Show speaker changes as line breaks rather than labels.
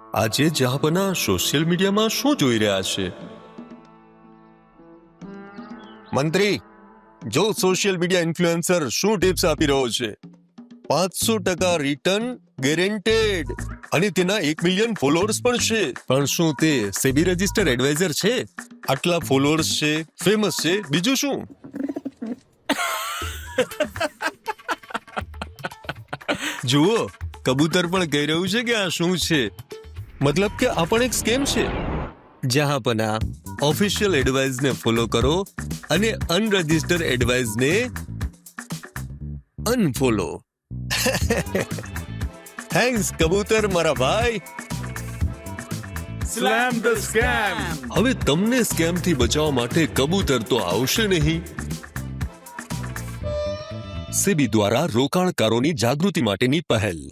આજે જહાપના સોશિયલ મીડિયામાં શું જોઈ રહ્યા છે? મંત્રી, જો સોશિયલ મીડિયા ઇન્ફ્લુએન્સર શું ટિપ્સ આપી રહ્યો છે, 500% રિટર્ન ગેરેન્ટેડ અને તેના 1 મિલિયન ફોલોઅર્સ પણ છે. પણ શું તે સેબી રજિસ્ટર એડવાઇઝર છે? આટલા ફોલોઅર્સ છે, ફેમસ છે, બીજું શું? જુઓ, કબૂતર પણ કહી રહ્યું છે કે આ શું છે. મતલબ કે આ પણ એક સ્કેમ છે. જહાંપના ઓફિશિયલ એડવાઇઝને ફોલો કરો અને અનરજિસ્ટર્ડ એડવાઇઝને અનફોલો. થેન્ક્સ કબૂતર મારા ભાઈ.
Slam the scam!
હવે તમને સ્કેમથી બચાવવા માટે કબૂતર તો આવશે નહીં. સેબી દ્વારા રોકાણકારોની જાગૃતિ માટેની પહેલ.